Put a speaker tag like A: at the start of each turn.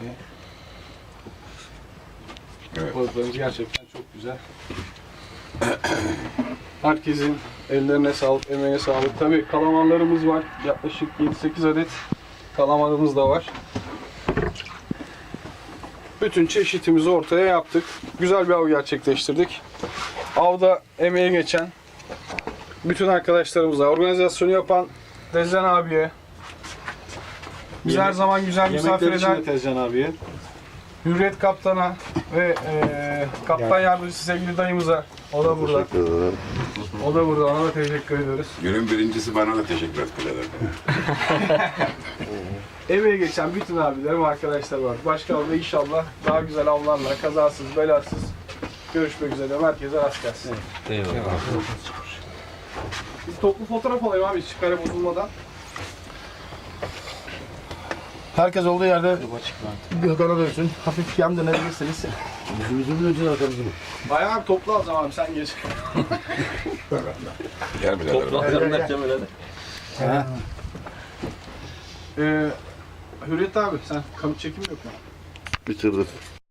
A: Evet.
B: Balıklarımız gerçekten çok güzel. Herkesin ellerine sağlık, emeğine sağlık. Tabii kalamarlarımız var. Yaklaşık 7-8 adet kalamarımız da var. Bütün çeşitimizi ortaya yaptık. Güzel bir av gerçekleştirdik. Avda emeği geçen bütün arkadaşlarımıza, organizasyonu yapan Tezcan abiye, biz her zaman güzel misafir
C: Yemekler için
B: eden
C: de Tezcan abiye.
B: Hürriyet Kaptan'a ve Kaptan Yardımcısı sevgili dayımıza, o da burada. O da burada, ona da teşekkür ediyoruz.
A: Günün birincisi bana da teşekkür ederim.
B: Emeği geçen bütün abilerim, arkadaşlar var. Başka avda inşallah daha güzel avlarla, kazasız, belasız görüşmek üzere. Herkese rast gelsin.
D: Eyvallah.
B: Biz toplu fotoğraf alayım abi, hiç kare bozulmadan.
E: Herkes olduğu yerde Gökhan'a dönsün. Hafif yan dönebilirsiniz.
C: Yüzümüzün önce arkamızı.
B: Bayağı abi toplu alacağım abi, sen geç.
A: Gel birader.
D: Toplantılarını yapacağım öyle de.
B: Hürriyet abi, sen kamera çekim yok mu?
E: Bitirdim.